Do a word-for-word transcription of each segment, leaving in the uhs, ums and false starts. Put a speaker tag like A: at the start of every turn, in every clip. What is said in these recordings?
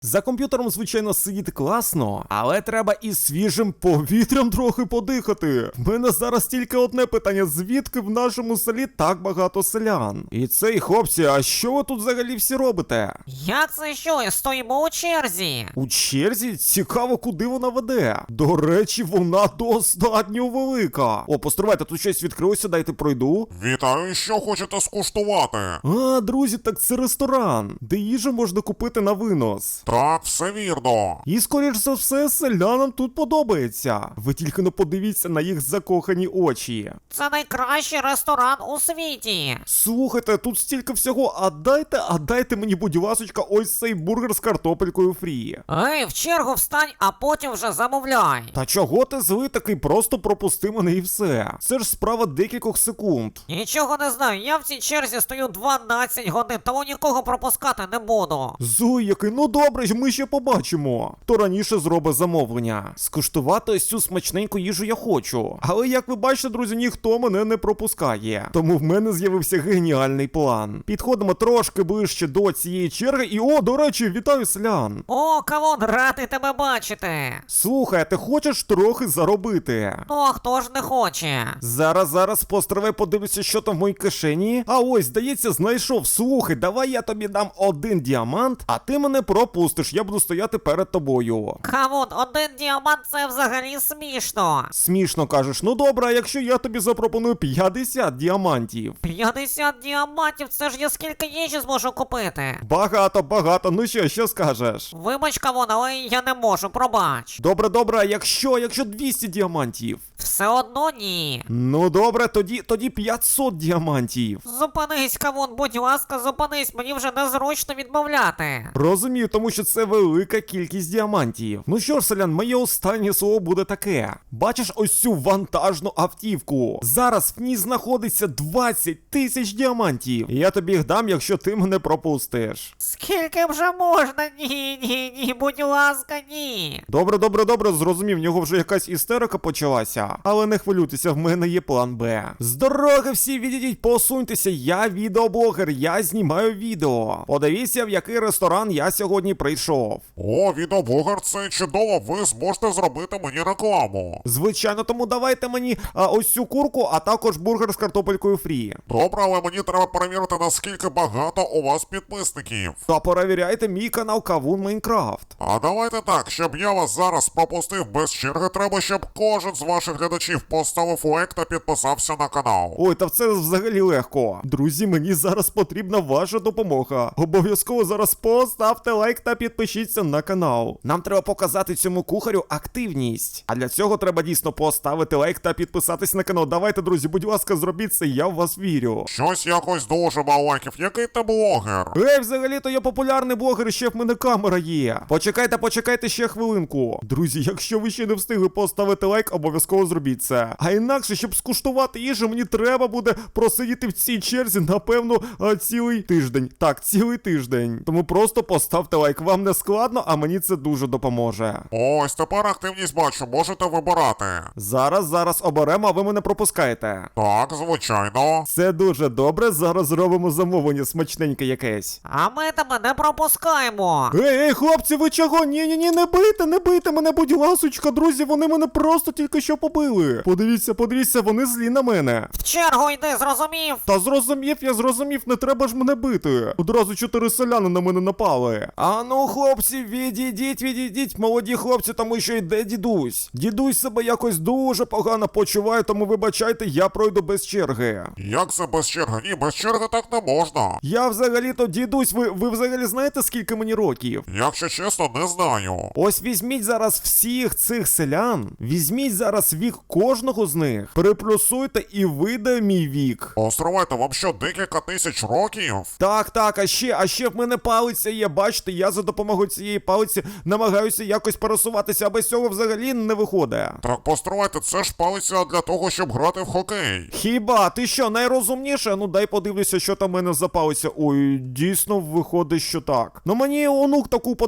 A: За комп'ютером, звичайно, сидіти класно, але треба і свіжим повітрям трохи подихати. В мене зараз тільки одне питання: звідки в нашому селі так багато селян? І цей, хлопці, а що ви тут взагалі всі робите?
B: Як це що? Стоїмо у черзі.
A: У черзі? Цікаво, куди вона веде. До речі, вона достатньо велика. О, постривайте, тут щось відкрилося, дайте пройду.
C: Вітаю, що хочете скуштувати?
A: А, друзі, так це ресторан, де їжу можна купити на винос.
C: Так, все вірно.
A: І, скоріш за все, селянам тут подобається. Ви тільки не подивіться на їх закохані очі.
B: Це найкращий ресторан у світі.
A: Слухайте, тут стільки всього, а дайте, а дайте мені, будь ласочка, ось цей бургер з картопелькою фрі.
B: Ей, в чергу встань, а потім вже замовляй.
A: Та чого ти злий такий? Просто пропусти мене і все. Це ж справа декількох секунд.
B: Нічого не знаю, я в цій черзі стою дванадцять годин, тому нікого пропускати не буду.
A: Зуй який, ну добре, ми ще побачимо. Хто раніше зробить замовлення. Скуштувати ось цю смачненьку їжу я хочу. Але, як ви бачите, друзі, ніхто мене не пропускає. Тому в мене з'явився геніальний план. Підходимо трошки ближче до цієї черги і, о, до речі, вітаю селян.
B: О, Кавун, радий тебе бачити.
A: Слухай, ти хочеш трохи заробити?
B: Ну, а хто ж не хоче?
A: Зараз, зараз, постривай, подивлюся, що там в моїй кишені. А ось, здається, знайшов. Слухай, давай я тобі дам один діамант, а ти мене пропустиш, я буду стояти перед тобою.
B: Кавун, один діамант – це взагалі смішно.
A: Смішно кажеш, ну добре, а якщо я тобі запропоную п'ятдесят діамантів?
B: п'ятдесят діамантів – це ж я скільки їжі зможу купити.
A: Багато, багато, ну що, що скажеш?
B: Вибач, Кавун, але я не можу, пробач.
A: Добре, добре, а якщо, якщо двісті діамантів?
B: Все одно ні.
A: Ну добре, тоді, тоді п'ятсот діамантів.
B: Зупинись, Кавун, будь ласка, зупинись, мені вже незручно відмовляти.
A: Розумію, тому що це велика кількість діамантів. Ну що ж, селян, моє останнє слово буде таке. Бачиш ось цю вантажну автівку? Зараз в ній знаходиться двадцять тисяч діамантів. І я тобі їх дам, якщо ти мене пропустиш.
B: Скільки вже можна? Ні, ні, ні, будь ласка, ні.
A: Добре, добре, добре, зрозумів, в нього вже якась істерика почалася. Але не хвилюйтеся, в мене є план Б. З дороги всі відійдіть, посуньтеся, я відеоблогер, я знімаю відео. Подивіться, в який ресторан я сьогодні прийшов.
C: О, відеоблогер, це чудово, ви зможете зробити мені рекламу.
A: Звичайно, тому давайте мені а, ось цю курку, а також бургер з картопелькою фрі.
C: Добре, але мені треба перевірити, наскільки багато у вас підписників.
A: Та перевіряйте мій канал Кавун Майнкрафт.
C: А давайте так, щоб я вас зараз пропустив без черги, треба, щоб кожен з ваших глядачів поставив лайк та підписався на канал.
A: Ой, та це взагалі легко. Друзі, мені зараз потрібна ваша допомога. Обов'язково зараз поставте лайк та підпишіться на канал. Нам треба показати цьому кухарю активність. А для цього треба дійсно поставити лайк та підписатись на канал. Давайте, друзі, будь ласка, зробіть це, я в вас вірю.
C: Щось якось дуже мало лайків. Який ти блогер?
A: Ей, взагалі-то я популярний блогер, і ще в мене камера є. Почекайте, почекайте ще хвилинку. Друзі, якщо ви ще не встигли поставити лайк, обов'язково зробіть це. А інакше, щоб скуштувати їжу, мені треба буде просидіти в цій черзі, напевно, цілий тиждень. Так, цілий тиждень. Тому просто поставте лайк. Вам не складно, а мені це дуже допоможе.
C: Ось тепер активність бачу, можете вибирати.
A: Зараз, зараз оберемо, а ви мене пропускаєте.
C: Так, звичайно.
A: Це дуже добре, зараз зробимо замовлення смачненьке якесь.
B: А ми тебе не пропускаємо.
A: Ей, ей, хлопці, ви чого? Ні-ні-ні, не бийте, не бийте мене, будь ласочка, друзі, вони мене просто тільки що побили. Подивіться, подивіться, вони злі на мене.
B: В чергу йди, зрозумів?
A: Та зрозумів, я зрозумів, не треба ж мене бити. Одразу чотири селяни на мене напали. А ну, хлопці, відійдіть, відійдіть, молоді хлопці, тому що йде дідусь. Дідусь себе якось дуже погано почуває, тому вибачайте, я пройду без черги.
C: Як це без черги? Ні, без черги так не можна.
A: Я взагалі-то, дідусь, ви, ви взагалі знаєте, скільки мені років?
C: Якщо чесно, не знаю.
A: Ось візьміть зараз всіх цих селян, візьміть зараз вік кожного з них, переплюсуйте і вийде мій вік.
C: Островайте, вам що, декілька тисяч років?
A: Так, так, а ще, а ще в мене палиця є, бачите, я за допомогою цієї палиці намагаюся якось пересуватися, а без цього взагалі не виходить.
C: Так постривайте, це ж палиця для того, щоб грати в хокей.
A: Хіба, ти що, найрозумніше? Ну дай подивлюся, що там в мене за палиця. Ой, дійсно виходить, що так. Ну мені онук таку подарував,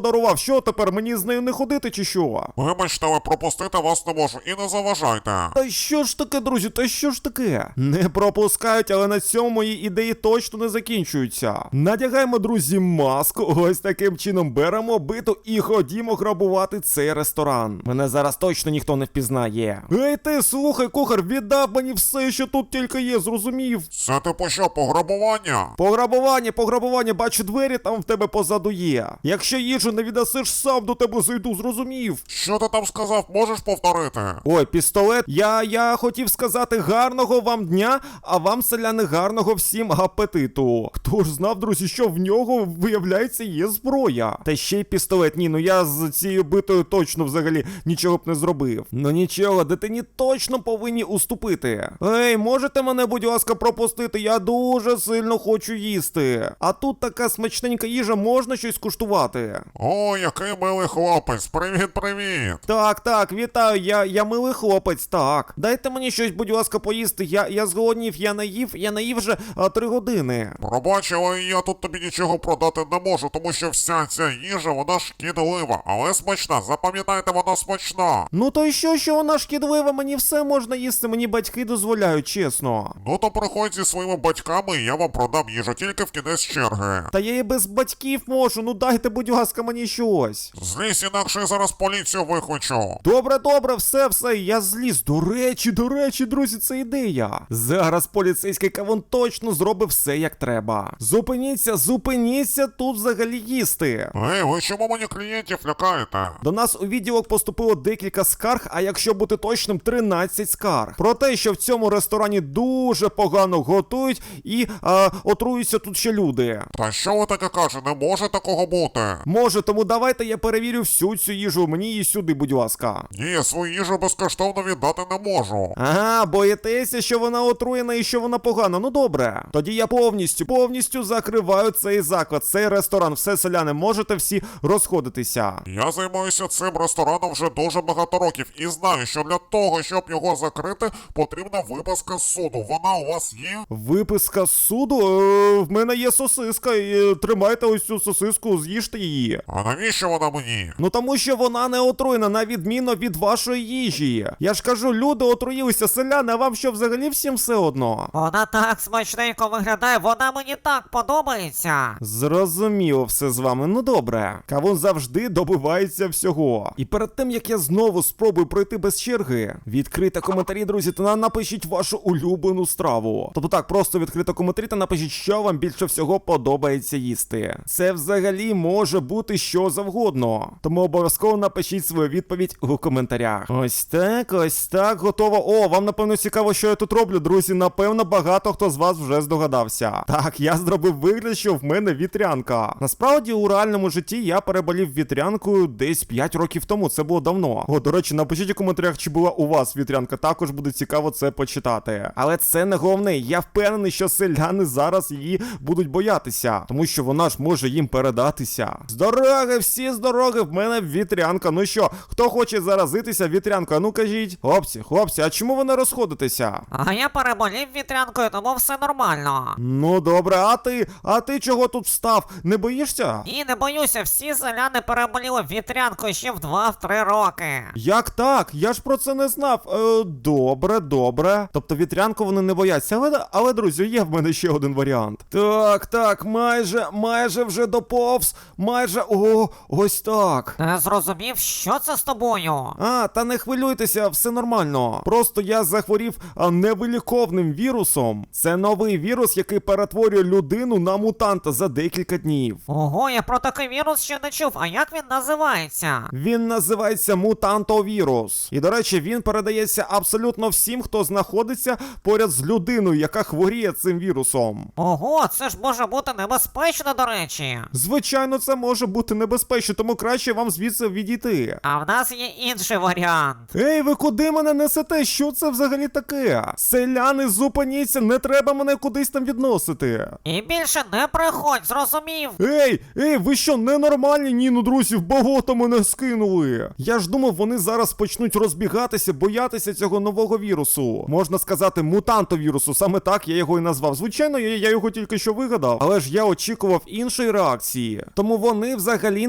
A: що тепер, мені з нею не ходити чи що?
C: Вибачте, але пропустити вас не можу і не заважайте.
A: Та що ж таке, друзі, та що ж таке? Не пропускають, але на цьому мої ідеї точно не закінчуються. Надягаємо, друзі, маску, ось таким чином беремо биту і ходімо грабувати цей ресторан. Мене зараз точно ніхто не впізнає. Ей ти, слухай, кухар, віддав мені все, що тут тільки є, зрозумів?
C: Це типу що, пограбування?
A: Пограбування, пограбування, бачу, двері там в тебе позаду є. Якщо їжу не віддасиш, сам до тебе зайду, зрозумів?
C: Що ти там сказав, можеш повторити?
A: Ой, пістолет. Я, я хотів сказати гарного вам дня, а вам, селяни, гарного всім апетиту. Хто ж знав, друзі, що в нього, виявляється, є зброя. Та ще й пістолет. Ні, ну я з цією битою точно взагалі нічого б не зробив. Ну нічого, дитині точно повинні уступити. Ей, можете мене, будь ласка, пропустити? Я дуже сильно хочу їсти. А тут така смачненька їжа, можна щось куштувати?
C: О, який милий хлопець, привіт-привіт.
A: Так, так, вітаю, я, я милий хлопець, так. Дайте мені щось, будь ласка, поїсти. Я, я зголоднів, я наїв, я наїв вже а, три години.
C: Пробач, але я тут тобі нічого продати не можу, тому що вся ця їжа, вона шкідлива, але смачна, запам'ятайте, вона смачна.
A: Ну то й що, що вона шкідлива, мені все можна їсти, мені батьки дозволяють, чесно.
C: Ну то приходь зі своїми батьками, і я вам продам їжу тільки в кінець черги.
A: Та я і без батьків можу, ну дайте, будь ласка, мені щось.
C: Злізь, інакше я зараз поліцію викличу.
A: Добре, добре, все, все, я зліз. До речі, до речі, друзі, це ідея. Зараз поліцейський кавун точно зробить все, як треба. Зупиніться, зупиніться тут взагалі їсти.
C: Ей, ви чому мені клієнтів лякаєте?
A: До нас у відділок поступило декілька скарг, а якщо бути точним, тринадцять скарг. Про те, що в цьому ресторані дуже погано готують і а, отруються тут ще люди.
C: Та що ви таке кажете, не може такого бути.
A: Може, тому давайте я перевірю всю цю їжу, мені її сюди, будь ласка.
C: Ні, свою їжу безкоштовно віддати не можу.
A: Ага, боїтеся, що вона отруєна і що вона погана. Ну добре. Тоді я повністю, повністю закриваю цей заклад, цей ресторан. Все, селяни, можете всі розходитися.
C: Я займаюся цим рестораном вже дуже багато років і знаю, що для того, щоб його закрити, потрібна виписка з суду. Вона у вас є?
A: Виписка з суду? Е, в мене є сосиска. І, тримайте ось цю сосиску, з'їжте її.
C: А навіщо вона мені?
A: Ну тому що вона не отруєна, на відміну від вашої їжі. Я ж кажу, люди отруїлися, селяни, а вам що, взагалі всім все одно?
B: Вона так смачненько виглядає, вона мені так подобається.
A: Зрозуміло все з вами, ну добре. Кавун завжди добивається всього. І перед тим, як я знову спробую пройти без черги, відкрийте коментарі, друзі, та напишіть вашу улюблену страву. Тобто так, просто відкрийте коментарі та напишіть, що вам більше всього подобається їсти. Це взагалі може бути що завгодно. Тому обов'язково напишіть свою відповідь у коментарях. Ось так, ось так, готово. О, вам напевно цікаво, що я тут роблю, друзі. Напевно, багато хто з вас вже здогадався. Так, я зробив вигляд, що в мене вітрянка. Насправді, у реальному житті я переболів вітрянкою десь п'ять років тому. Це було давно. О, до речі, напишіть у коментарях, чи була у вас вітрянка. Також буде цікаво це почитати. Але це не головне. Я впевнений, що селяни зараз її будуть боятися, тому що вона ж може їм передатися. З дороги, всі з дороги, в мене вітрянка. Ну що, хто хоче заразитися вітрянкою? Ну кажіть. Хлопці, хлопці, а чому ви не розходитеся?
B: А я переболів вітрянкою, тому все нормально.
A: Ну добре, а ти? А ти чого тут встав? Не боїшся?
B: І не боюся, всі селяни переболіли вітрянкою ще в два-три роки.
A: Як так? Я ж про це не знав. Е, добре, добре. Тобто вітрянку вони не бояться. Але, але, друзі, є в мене ще один варіант. Так, так, майже, майже вже доповз. Майже, о, ось так.
B: Не зрозумів, що це з тобою?
A: А, та не хвилюйтеся, все нормально. Просто я захворів а, невиліковним вірусом. Це новий вірус, який перетворює людину на мутанта за декілька днів.
B: Ого, я про такий вірус ще не чув, а як він називається?
A: Він називається мутантовірус. І, до речі, він передається абсолютно всім, хто знаходиться поряд з людиною, яка хворіє цим вірусом.
B: Ого, це ж може бути небезпечно, до речі.
A: Звичайно, це може бути небезпечно, тому краще вам звідси відійти.
B: А в нас є інший варіант.
A: Ей, ви куди мене несете? Що це взагалі таке? Селяни, зупиніться, не треба мене кудись там відносити.
B: І більше не приходь, зрозумів?
A: Ей, ей, ви що, ненормальні? Ні, ну, друзі, в болото мене скинули. Я ж думав, вони зараз почнуть розбігатися, боятися цього нового вірусу. Можна сказати, мутантовірусу, саме так я його і назвав. Звичайно, я, я його тільки що вигадав, але ж я очікував іншої реакції. Тому вони взагалі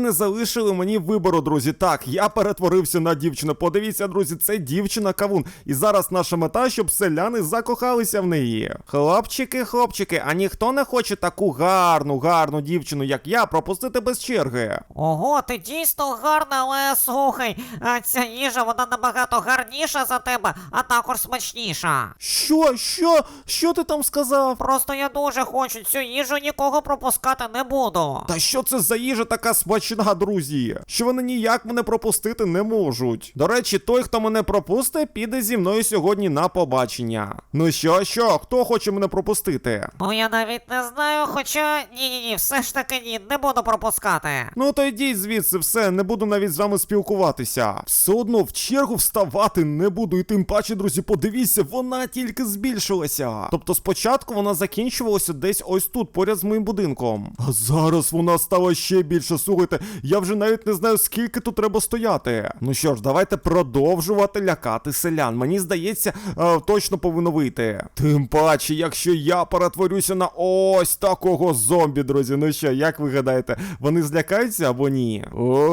A: не залишили мені вибору, друзі. Так, я перетворився на дівчину. Подивіться, друзі, це дівчина-кавун. І зараз наша мета, щоб селяни закохалися в неї. Хлопчики, хлопчики, а ніхто не хоче таку гарну, гарну дівчину, як я, пропустити без черги?
B: Ого, ти дійсно гарна, але слухай, а ця їжа, вона набагато гарніша за тебе, а також смачніша.
A: Що? Що? Що ти там сказав?
B: Просто я дуже хочу цю їжу, нікого пропускати не буду.
A: Та що це за їжа така смачна, друзі? Що вони ніяк мене пропустити не можуть. До речі, той, хто мене пропустить, піде зі мною сьогодні на побачення. Ну що, що? Хто хоче мене пропустити?
B: Ну я навіть не знаю, хоча ні-ні-ні, все ж таки ні, не буду пропускати.
A: Ну то йдіть звідси, все, не буду навіть з вами спілкуватися. Все одно в чергу вставати не буду, і тим паче, друзі, подивіться, вона тільки збільшилася. Тобто спочатку вона закінчувалася десь ось тут, поряд з моїм будинком. А зараз вона стала ще більше, слухайте, я вже навіть не знаю, скільки тут треба стояти. Ну що ж, давайте продовжувати лякати селян. Мені здається, е, точно повинно вийти. Тим паче, якщо я перетворюся на ось такого зомбі, друзі. Ну що, як ви гадаєте, вони злякаються або ні?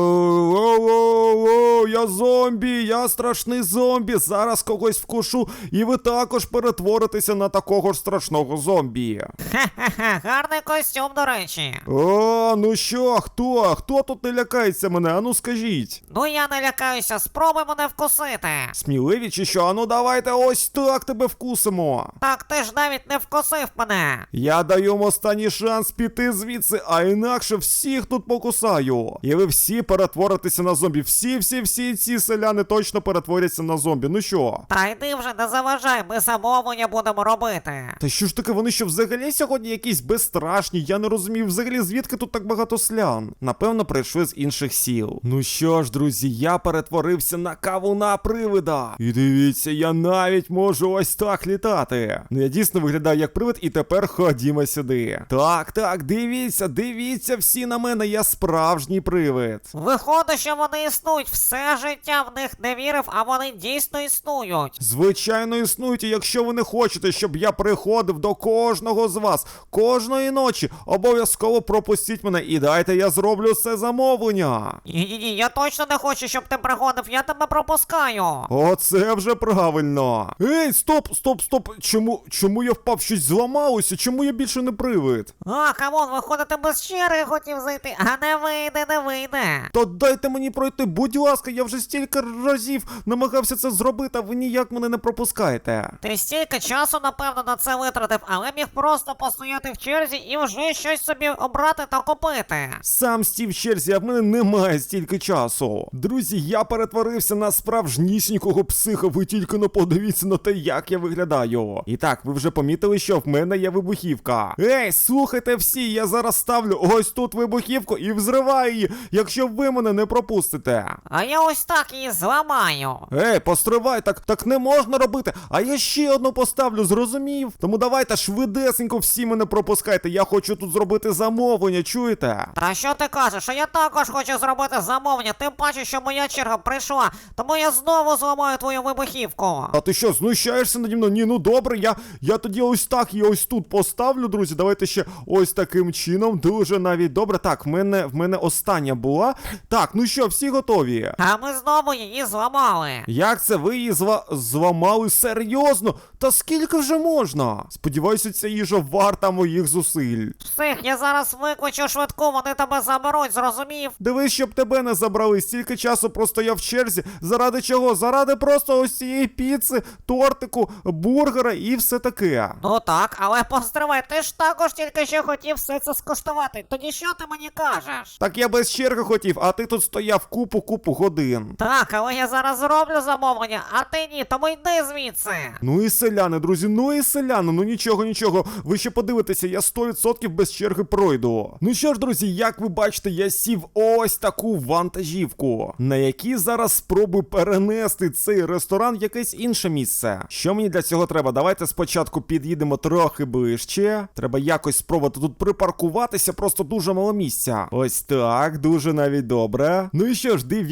A: О-о-о-о, я зомбі, я страшний зомбі. Зараз когось вкушу, і ви також перетворитеся на такого ж страшного зомбі.
B: Хе-хе-хе, гарний костюм, до речі.
A: О, ну що, хто? Хто тут не лякається мене? Ану скажіть.
B: Ну я не лякаюся, спробуй мене вкусити.
A: Сміливі чи що? Ану давайте ось так тебе вкусимо.
B: Так ти ж навіть не вкусив мене.
A: Я даю вам останній шанс піти звідси, а інакше всіх тут покусаю. І ви всі перетворитеся на зомбі. Всі, всі, всі ці селяни точно перетворяться на зомбі. Ну що?
B: Та йди вже, не заважай, ми замовлення будемо робити.
A: Та що ж таке, вони що взагалі сьогодні якісь безстрашні? Я не розумію взагалі, звідки тут так багато селян. Напевно, прийшли з інших сіл. Ну що ж, друзі, я перетворився на кавуна-привида. І дивіться, я навіть можу ось так літати. Ну я дійсно виглядаю як привид, і тепер ходімо сюди. Так, так, дивіться, дивіться всі на мене, я справжній привид.
B: Виходить, що вони існують, все життя в них не вірив, а вони дійсно існують.
A: Звичайно, існують, і якщо ви не хочете, щоб я приходив до кожного з вас, кожної ночі, обов'язково пропустіть мене і дайте я зроблю це замовлення.
B: Ні-ні-ні, я точно не хочу, щоб ти приходив, я тебе пропускаю.
A: Оце вже правильно. Ей, стоп, стоп, стоп. Чому, чому я впав? Щось зламалося? Чому я більше не привид?
B: А, камон, виходить, ти без черги хотів зайти, а не вийде, не вийде.
A: То дайте мені пройти, будь ласка, я вже стільки разів намагався це зробити, а ви ніяк мене не пропускаєте.
B: Ти стільки часу, напевно, на це витратив, але міг просто постояти в черзі і вже щось собі обрати та купити.
A: Сам стів в черзі, а в мене немає стільки часу. Друзі, я перетворився на справжнісінького психа, ви тільки не подивіться на те, як я виглядаю. І так, ви вже помітили, що в мене є вибухівка. Ей, слухайте всі, я зараз ставлю ось тут вибухівку і взриваю її, якщо ви мене не пропустите.
B: А я ось так її зламаю.
A: Ей, постривай, так, так не можна робити, а я ще одну поставлю, зрозумів? Тому давайте швидесенько всі мене пропускайте, я хочу тут зробити замовлення, чуєте?
B: Та що ти кажеш, а я також хочу зробити замовлення, тим паче, що моя черга прийшла, тому я знову зламаю твою вибухівку.
A: А ти що, знущаєшся наді мною? Ні, ну добре, я, я тоді ось так її ось тут поставлю, друзі, давайте ще ось таким чином, дуже навіть добре. Так, в мене, в мене остання була. Так, ну що, всі готові?
B: А ми знову її зламали.
A: Як це ви її зла... зламали? Серйозно? Та скільки вже можна? Сподіваюся, ця їжа варта моїх зусиль.
B: Псих, я зараз викличу швидку, вони тебе заберуть, зрозумів?
A: Дивись, щоб тебе не забрали, стільки часу простояв в черзі. Заради чого? Заради просто ось цієї піци, тортику, бургера і все таке.
B: Ну так, але постривай, ти ж також тільки що хотів все це скуштувати, тоді що ти мені кажеш?
A: Так я без черги хотів, а ти тут стояв купу-купу годин.
B: Так, але я зараз зроблю замовлення, а ти ні, тому йди звідси.
A: Ну і селяни, друзі, ну і селяни, ну нічого, нічого. Ви ще подивитеся, я сто відсотків без черги пройду. Ну що ж, друзі, як ви бачите, я сів ось таку вантажівку, на якій зараз спробую перенести цей ресторан в якесь інше місце. Що мені для цього треба? Давайте спочатку під'їдемо трохи ближче. Треба якось спробувати тут припаркуватися, просто дуже мало місця. Ось так, дуже навіть добре. Ну і що ж, дивіться, як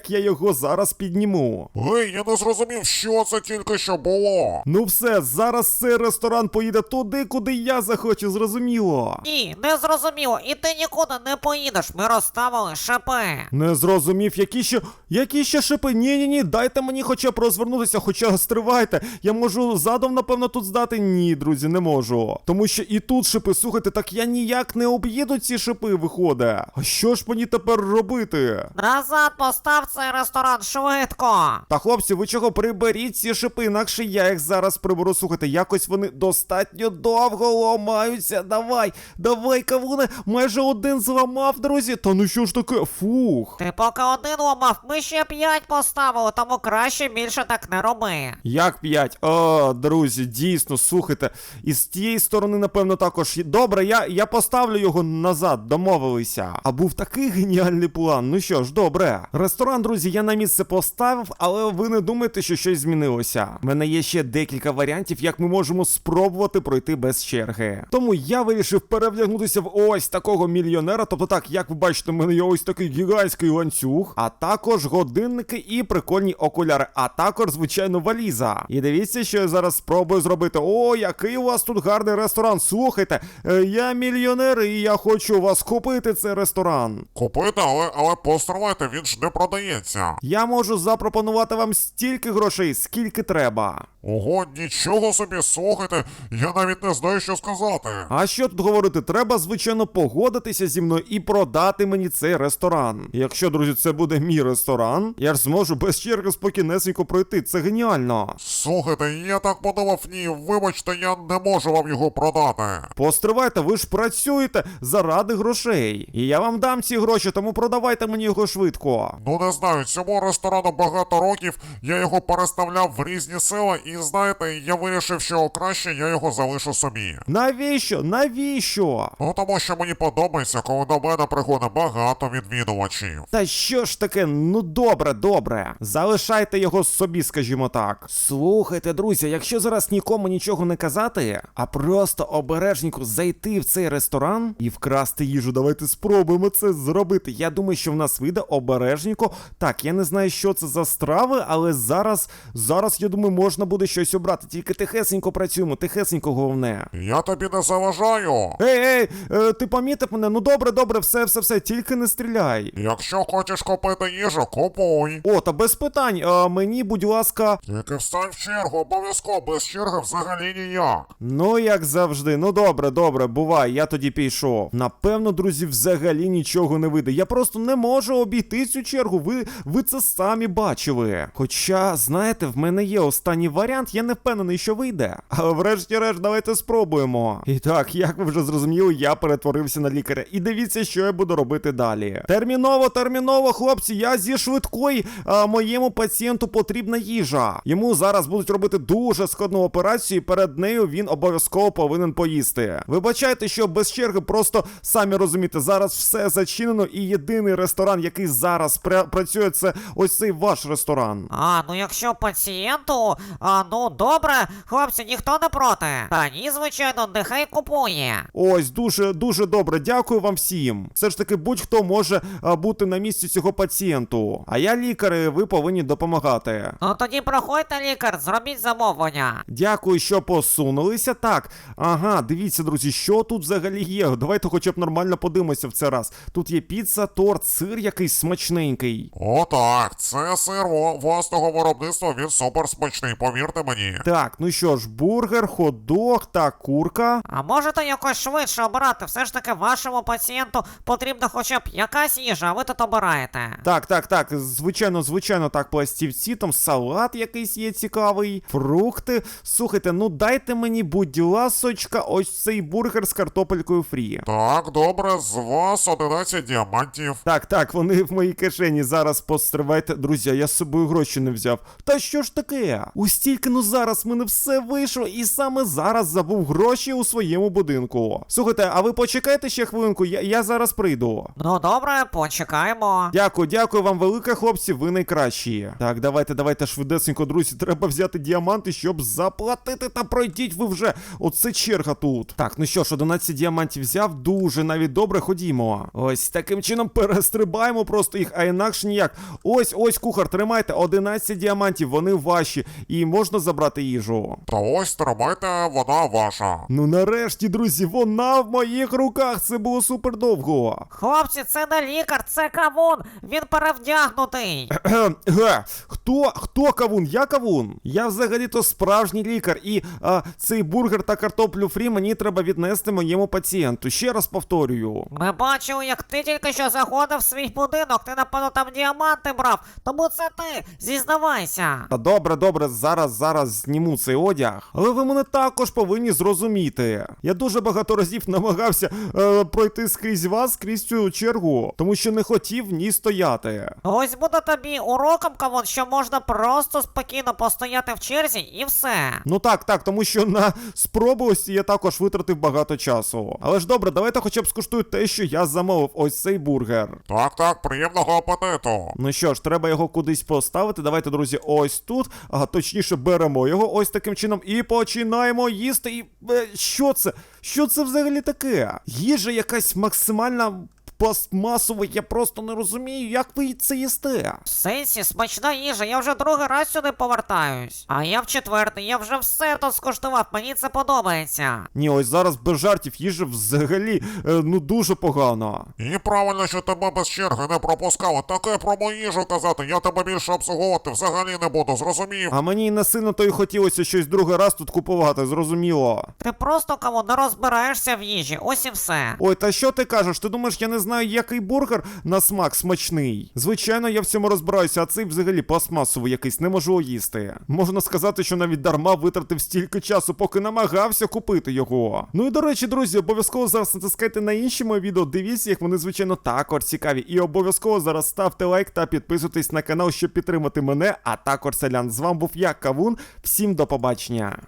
A: як я його зараз підніму.
C: Гей, я не зрозумів, що це тільки що було.
A: Ну все, зараз цей ресторан поїде туди, куди я захочу, зрозуміло.
B: Ні, не зрозуміло, і ти нікуди не поїдеш, ми розставили шипи.
A: Не зрозумів, які ще, які ще шипи? Ні-ні-ні, дайте мені хоча б розвернутися, хоча стривайте. Я можу задом, напевно, тут здати? Ні, друзі, не можу. Тому що і тут шипи, слухайте, так я ніяк не об'їду ці шипи, виходить. А що ж мені тепер робити?
B: Назад постав цей ресторан швидко.
A: Та хлопці, ви чого, приберіть ці шипи, інакше я їх зараз приберу. Слухайте, якось вони достатньо довго ламаються. Давай, давай, кавуне, майже один зламав, друзі. Та ну що ж таке, фух.
B: Ти поки один ламав, ми ще п'ять поставили, тому краще більше так не роби.
A: Як п'ять? О, друзі, дійсно, слухайте. І з тієї сторони, напевно, також. Добре, я, я поставлю його назад, домовилися. А був такий геніальний план. Ну що ж, добре. Ресторан, друзі, я на місце поставив, але ви не думайте, що щось змінилося. У мене є ще декілька варіантів, як ми можемо спробувати пройти без черги. Тому я вирішив перевдягнутися в ось такого мільйонера. Тобто так, як ви бачите, у мене є ось такий гігантський ланцюг, а також годинники і прикольні окуляри, а також, звичайно, валіза. І дивіться, що я зараз спробую зробити. О, який у вас тут гарний ресторан. Слухайте, е, я мільйонер і я хочу у вас купити цей ресторан.
C: Купити, але, але постривайте, він ж не продається.
A: Я можу запропонувати вам стільки грошей, скільки треба.
C: Ого, нічого собі, слухайте, я навіть не знаю, що сказати.
A: А що тут говорити? Треба, звичайно, погодитися зі мною і продати мені цей ресторан. Якщо, друзі, це буде мій ресторан, я ж зможу без черги спокійнесенько пройти. Це геніально.
C: Слухайте, я так подумав, ні, вибачте, я не можу вам його продати.
A: Постривайте, ви ж працюєте заради грошей. І я вам дам ці гроші, тому продавайте мені його швидко.
C: Ну не знаю, цьому ресторану багато років, я його переставляв в різні села, і знаєте, я вирішив, що краще я його залишу собі.
A: Навіщо? Навіщо?
C: Ну тому що мені подобається, коли до мене приходить багато відвідувачів.
A: Та що ж таке? Ну добре, добре. Залишайте його собі, скажімо так. Слухайте, друзі, якщо зараз нікому нічого не казати, а просто обережненько зайти в цей ресторан і вкрасти їжу, давайте спробуємо це зробити. Я думаю, що в нас вийде обережненько. Так, я не знаю, що це за страви, але зараз, зараз, я думаю, можна буде щось обрати. Тільки тихесенько працюємо, тихесенько головне.
C: Я тобі не заважаю.
A: Ей, ей, е, ти помітив мене? Ну добре, добре, все, все, все, тільки не стріляй.
C: Якщо хочеш купити їжу, купуй.
A: О, та без питань, а мені, будь ласка.
C: Тільки встань в чергу, обов'язково, без черги взагалі ніяк.
A: Ну, як завжди, ну добре, добре, бувай, я тоді пішов. Напевно, друзі, взагалі нічого не вийде. Я просто не можу обійти цю чергу, ви, ви це самі бачили. Хоча, знаєте, в мене є останній варіант, я не впевнений, що вийде. Але врешті-решт, давайте спробуємо. І так, як ви вже зрозуміли, я перетворився на лікаря. І дивіться, що я буду робити далі. Терміново, терміново, хлопці, я зі швидкої, а моєму пацієнту потрібна їжа. Йому зараз будуть робити дуже складну операцію, і перед нею він обов'язково повинен поїсти. Вибачайте, що без черги, просто самі розумієте, зараз все зачинено, і єдиний ресторан, який зараз пра- працює, це ось цей ваш ресторан.
B: А, ну якщо пацієнту, а, ну добре, хлопці, ніхто не проти. Та ні, звичайно, нехай купує.
A: Ось, дуже, дуже добре, дякую вам всім. Все ж таки, будь-хто може а, бути на місці цього пацієнту. А я лікар, і ви повинні допомагати.
B: Ну тоді проходьте, лікар, зробіть замовлення.
A: Дякую, що посунулися. Так, ага, дивіться, друзі, що тут взагалі є. Давайте хоча б нормально подивимося в цей раз. Тут є піца, торт, сир якийсь смачненький.
C: О так, це сир во- власного виробництва, він супер смачний, повірте мені.
A: Так, ну що ж, бургер, хот-дог та курка.
B: А можете якось швидше обирати? Все ж таки вашому пацієнту потрібна хоча б якась їжа, а ви тут обираєте.
A: Так, так, так, звичайно, звичайно, так, пластівці, там салат якийсь є цікавий, фрукти. Слухайте, ну дайте мені, будь ласочка, ось цей бургер з картопелькою фрі.
C: Так, добре, з вас одинадцять діамантів.
A: Так, так, вони в моїй кишені. Зараз постривайте. Друзі, я з собою гроші не взяв. Та що ж таке? Ось тільки, ну зараз в мене все вийшло, і саме зараз забув гроші у своєму будинку. Слухайте, а ви почекайте ще хвилинку, я, я зараз прийду.
B: Ну добре, почекаємо.
A: Дякую, дякую вам велике, хлопці, ви найкращі. Так, давайте, давайте швидесенько, друзі, треба взяти діаманти, щоб заплатити, та пройдіть ви вже. Оце черга тут. Так, ну що ж, одинадцять діамантів взяв, дуже навіть добре, ходімо. Ось таким чином перестрибаємо просто їх, а інакше ніяк. Ось, ось, кухар, тримайте, одинадцять діамантів, вони ваші, і можна забрати їжу.
C: Та ось тримайте, вона ваша.
A: Ну нарешті, друзі, вона в моїх руках, це було супер довго.
B: Хлопці, це не лікар, це кавун, він перевдягнутий.
A: Кхем, Ге, хто, хто кавун? Я кавун? Я взагалі-то справжній лікар, і а, цей бургер та картоплю фрі мені треба віднести моєму пацієнту. Ще раз повторюю.
B: Ми бачили, як ти тільки що заходив в свій будинок, ти, напевно, там діаманти брав, тому це ти, зізнавайся.
A: Та добре, добре, зараз, зараз зніму цей одяг. Але ви мене також повинні зрозуміти. Я дуже багато разів намагався е, пройти скрізь вас, скрізь цю чергу, тому що не хотів в ній стояти.
B: Ось буде тобі уроком, кавун, що можна просто спокійно постояти в черзі і все.
A: Ну так, так, тому що на спробовості я також витратив багато часу. Але ж добре, давайте хоча б скуштую те, що я замовив, ось цей бургер.
C: Так, так, приємного апетиту.
A: Ну що ж, треба його кудись поставити. Давайте, друзі, ось тут. Ага, точніше, беремо його ось таким чином і починаємо їсти. І е, що це? Що це взагалі таке? Їжа якась максимальна пластмасова, я просто не розумію, як ви це їсте.
B: В сенсі, смачна їжа, я вже другий раз сюди повертаюсь. А я в четвертий, я вже все тут скуштував, мені це подобається.
A: Ні, ось зараз без жартів їжа взагалі, е, ну дуже погано.
C: І правильно, що тебе без черги не пропускали. Таке про мою їжу казати, я тебе більше обслуговувати взагалі не буду, зрозумів?
A: А мені і не сильно то й хотілося щось другий раз тут купувати, зрозуміло.
B: Ти просто, кавун, не розбираєшся в їжі, ось і все.
A: Ой, та що ти кажеш? Ти думаєш, я не знаю, який бургер на смак смачний? Звичайно, я в цьому розбираюся, а цей взагалі пластмасовий якийсь, не можу їсти. Можна сказати, що навіть дарма витратив стільки часу, поки намагався купити його. Ну і до речі, друзі, обов'язково зараз натискайте на інші мої відео, дивіться їх, вони, звичайно, також цікаві. І обов'язково зараз ставте лайк та підписуйтесь на канал, щоб підтримати мене, а також селян. З вами був я, Кавун. Всім до побачення.